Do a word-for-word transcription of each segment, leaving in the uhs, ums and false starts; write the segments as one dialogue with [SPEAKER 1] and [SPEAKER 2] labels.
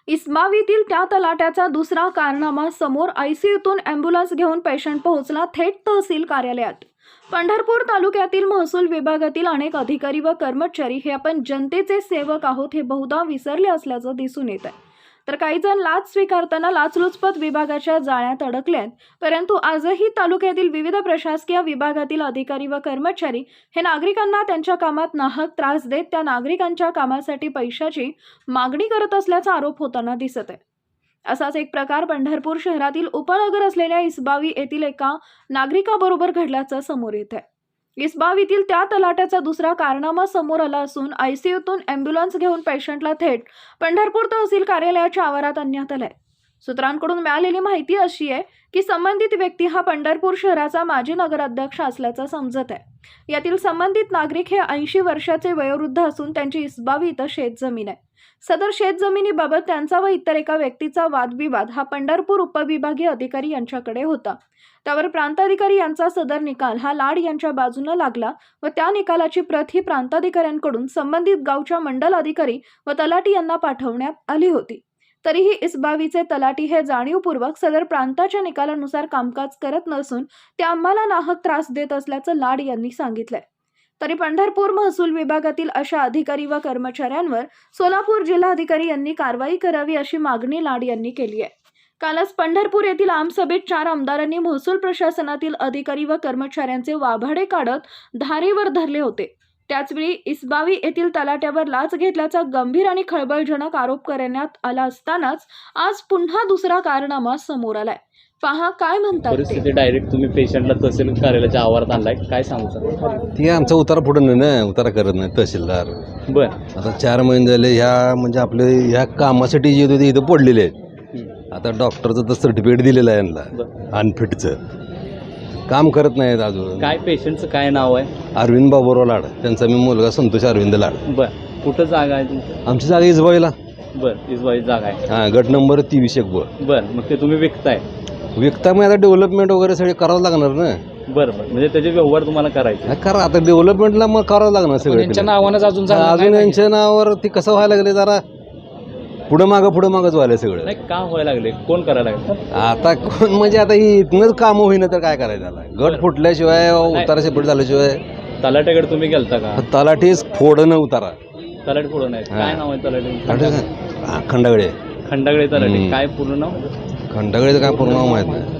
[SPEAKER 1] इस्मावीतील त्या तलाट्याचा दुसरा कारनामा समोर आयसीयूतून अँब्युलन्स घेऊन पेशंट पोहोचला थेट तहसील कार्यालयात। पंढरपूर तालुक्यातील महसूल विभागातील अनेक अधिकारी व कर्मचारी हे आपण जनतेचे सेवक आहोत हे बहुधा विसरले असल्याचं दिसून येत आहे। तर काही जण लाच स्वीकारताना लाचलुचपत विभागाच्या जाळ्यात अडकलेत, परंतु आजही तालुक्यातील विविध प्रशासकीय विभागातील अधिकारी व कर्मचारी हे नागरिकांना त्यांच्या कामात नाहक त्रास देत त्या नागरिकांच्या कामासाठी पैशाची मागणी करत असल्याचा आरोप होताना दिसत आहे। असाच एक प्रकार पंढरपूर शहरातील उपनगर असलेल्या इसबावी येथील एका नागरिकाबरोबर घडल्याचं समोर येत आहे। इसबावीतील त्या तलाट्याचा दुसरा कारनामा समोर आला असून आयसीयूतून अँब्युलन्स घेऊन पेशंटला थेट पंढरपूर तहसील कार्यालयाच्या आवारात आणण्यात आलाय। सूत्रांकडून मिळालेली माहिती अशी आहे की संबंधित व्यक्ती हा पंढरपूर शहराचा माजी नगराध्यक्ष असल्याचं समजत आहे। यातील संबंधित नागरिक हे ऐंशी वर्षाचे वयोवृद्ध असून त्यांची इसबावी इथं शेतजमीन आहे। सदर शेतजमिनीबाबत त्यांचा व इतर एका व्यक्तीचा वादविवाद हा पंढरपूर उपविभागीय अधिकारी यांच्याकडे होता। त्यावर प्रांताधिकारी यांचा सदर निकाल हा लाड यांच्या बाजूने लागला व त्या निकालाची प्रत ही प्रांताधिकाऱ्यांकडून संबंधित गावच्या मंडल अधिकारी व तलाठी यांना पाठवण्यात आली होती। तरीही इसबावीचे तलाठी हे जाणीवपूर्वक सदर प्रांताच्या निकालानुसार कामकाज करत नसून ते आम्हाला नाहक त्रास देत असल्याचं लाड यांनी सांगितलंय। तरी पंढरपूर महसूल विभागातील अशा अधिकारी व कर्मचाऱ्यांवर सोलापूर जिल्हाधिकारी यांनी कारवाई करावी अशी मागणी लाड यांनी केली आहे। कालच पंढरपूर येथील आमसभेत चार आमदारांनी महसूल प्रशासनातील अधिकारी व कर्मचाऱ्यांचे वाभाडे काढत धारेवर धरले होते। त्याचवेळी इसबावी येथील तलाट्यावर लाच घेतल्याचा गंभीर आणि खळबळजनक आरोप करण्यात आला असतानाच आज पुन्हा दुसरा कारनामा समोर आलाय। पहा काय म्हणतात
[SPEAKER 2] परिस्थिती। डायरेक्ट तुम्ही पेशंटला तहसील कार्यालयाच्या आवारात आणलाय, काय सांगू सर?
[SPEAKER 3] ती आमचा उतारा पुढे नाही ना, उतारा करत नाही तहसीलदार।
[SPEAKER 2] बर,
[SPEAKER 3] आता चार महिने झाले ह्या म्हणजे आपले ह्या कामासाठी जे होते इथं पडलेले आहेत। आता डॉक्टरचं तर सर्टिफिकेट दिलेलं आहे यांना अनफिटचं, काम करत नाहीत अजून।
[SPEAKER 2] काय पेशंटचं काय नाव आहे?
[SPEAKER 3] अरविंद बाबूराव लाड, त्यांचा मी मुलगा संतोष अरविंद लाड।
[SPEAKER 2] बर, कुठं जागा आहे तुमची?
[SPEAKER 3] आमची जागा इसबाईला।
[SPEAKER 2] बर, इसबाई जागा आहे।
[SPEAKER 3] हां, गट नंबर तेवीस एक ब।
[SPEAKER 2] बर, मग ते तुम्ही विकताय?
[SPEAKER 3] विकता मग आता डेव्हलपमेंट वगैरे सगळे करावं लागणार ना।
[SPEAKER 2] बरं बरं, म्हणजे त्याचे व्यवहार तुम्हाला करायचे?
[SPEAKER 3] करा, आता डेव्हलपमेंटला मग करावं लागणार सगळं।
[SPEAKER 4] यांच्या नावानंच अजून झालं
[SPEAKER 3] अजून यांच्या नावावर ती कसं व्हायला लागले, जरा पुढं मागं पुढं मागंच व्हायला सगळं।
[SPEAKER 2] नाही, का व्हायला लागले? कोण करायला लागले?
[SPEAKER 3] आता कोण म्हणजे आता ही इथनंच कामं होईना तर काय करायचं त्याला? गट फुटल्याशिवाय उतारा सेपरेट झाल्याशिवाय
[SPEAKER 2] तलाट्याकडे तुम्ही गेलता का?
[SPEAKER 3] तलाठीच फोडणं उतारा।
[SPEAKER 2] तलाठी पुढं नाही, काय नाव आहे तलाठी?
[SPEAKER 3] खंडागळे
[SPEAKER 2] खंडागळे तलाठी। काय पूर्ण नाव?
[SPEAKER 3] खंडागळेचं काय पूर्ण नाव माहित नाही।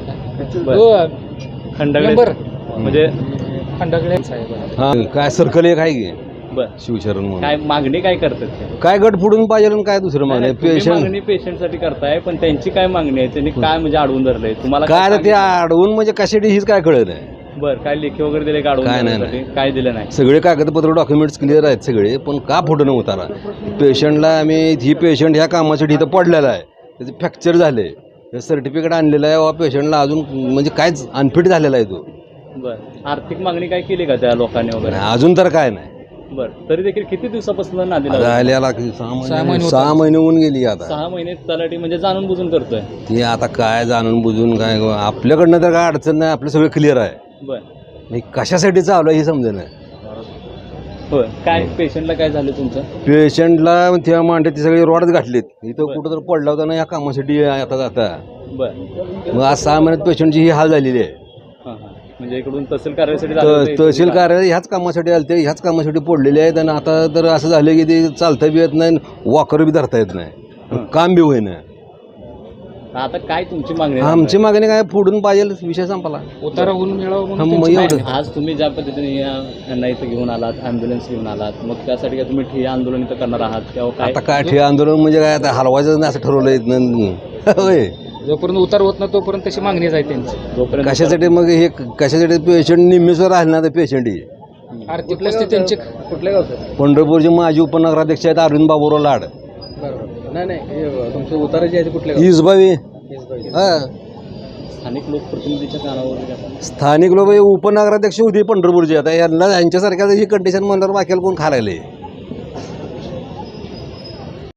[SPEAKER 2] खंडागळे म्हणजे
[SPEAKER 4] खंडागळे साहेब।
[SPEAKER 3] हा, काय सर्कल एक आहे की
[SPEAKER 2] बर,
[SPEAKER 3] शिवशरण म्हणून।
[SPEAKER 2] काय मागणी काय करतात ते?
[SPEAKER 3] काय गट फुडून पाहिजे आणि काय दुसरं मागणी? पेशंट
[SPEAKER 2] मागणी पेशंटसाठी करताय, पण त्यांची काय मागणी आहे? त्यांनी काय म्हणजे अडवून धरलंय तुम्हाला?
[SPEAKER 3] काय ते अडवून म्हणजे कशासाठी हीच काय कळत नाही।
[SPEAKER 2] बर, काय लेखी वगैरे दिले का?
[SPEAKER 3] काय
[SPEAKER 2] अडवून
[SPEAKER 3] नाही,
[SPEAKER 2] काय दिलं नाही?
[SPEAKER 3] सगळे कागदपत्र डॉक्युमेंट्स क्लिअर आहेत सगळे, पण का फुटणं उतारा? पेशंटला आम्ही ही पेशंट ह्या कामासाठी इथं पडलेला आहे, त्याचे फ्रॅक्चर झाले, सर्टिफिकेट आणलेलं आहे वा पेशंटला अजून म्हणजे कायच अनफिट झालेला आहे तो।
[SPEAKER 2] बर, आर्थिक मागणी काय केली का त्या लोकांनी वगैरे?
[SPEAKER 3] अजून तर काय नाही।
[SPEAKER 2] बर, तरी देखील किती दिवसापासून नादी लावली?
[SPEAKER 3] राहिलेला सहा महिने सहा महिने होऊन गेली आता।
[SPEAKER 2] सहा महिने तलाठी म्हणजे जाणून बुजून करतोय?
[SPEAKER 3] ती आता काय जाणून बुजून काय, आपल्याकडनं तर काय अडचण नाही, आपलं सगळं क्लिअर आहे।
[SPEAKER 2] बर,
[SPEAKER 3] मी कशासाठी चालू आहे हे समजेल नाही।
[SPEAKER 2] होय, काय पेशंटला काय झालं तुमचं?
[SPEAKER 3] पेशंटला त्या मांडे ती सगळी रॉडच घातलीत, इथं कुठं तर पडला होता ना या कामासाठी आता जाता।
[SPEAKER 2] बर,
[SPEAKER 3] मग आज सहा महिन्यात पेशंटची ही हाल झालेली आहे।
[SPEAKER 2] हां हां, म्हणजे इकडून तहसील कार्यालयासाठी झालं होतं?
[SPEAKER 3] तहसील कार्यालय ह्याच कामासाठी आले ते, ह्याच कामासाठी पडलेले आहेत। आणि आता तर असं झालं की ते चालता बी येत नाही, वॉकर बी धरता येत नाही, काम बी होईना।
[SPEAKER 2] आता काय तुमची मागणी?
[SPEAKER 3] आमची मागणी काय, फोडून पाहिजे, विषय संपला,
[SPEAKER 4] उतारा होऊन मिळावं
[SPEAKER 3] हा,
[SPEAKER 4] म्हणून
[SPEAKER 3] मग
[SPEAKER 4] त्यांची
[SPEAKER 3] एवढं.
[SPEAKER 4] मागणी.
[SPEAKER 2] आज तुम्ही ज्या पद्धतीने या- यांना इथं घेऊन आलात, ॲम्ब्युलन्स घेऊन आलात, मग त्यासाठी काय तुम्ही ठिय्या आंदोलन इथं करणार आहात किंवा काय?
[SPEAKER 3] आता काय ठे आंदोलन म्हणजे काय, आता हलवायचं नाही असं ठरवलं इथनं होय।
[SPEAKER 4] जोपर्यंत उतार होत नाही तोपर्यंत तशी मागणीच आहे त्यांची।
[SPEAKER 2] जोपर्यंत
[SPEAKER 3] कशासाठी मग हे, कशासाठी पेशंट निम्मेश्वर राहिले ना, तर पेशंट ही
[SPEAKER 4] आर्थिक परिस्थिती त्यांची
[SPEAKER 2] कुठल्या गावचं?
[SPEAKER 3] पंढरपूरचे माजी उपनगराध्यक्ष आहेत अरविंद बाबूराव लाड।
[SPEAKER 2] नाही नाही, तुमचे उतारा जे आहे कुठल्या?
[SPEAKER 3] इसबावी। हा,
[SPEAKER 2] स्थानिक लोकप्रतिनिधीच्या कानावर जातात?
[SPEAKER 3] स्थानिक लोक उपनगराध्यक्ष होते पंढरपूरचे, आता यांना यांच्यासारख्या ही कंडिशन म्हणल्यावर बाकीला कोण खायला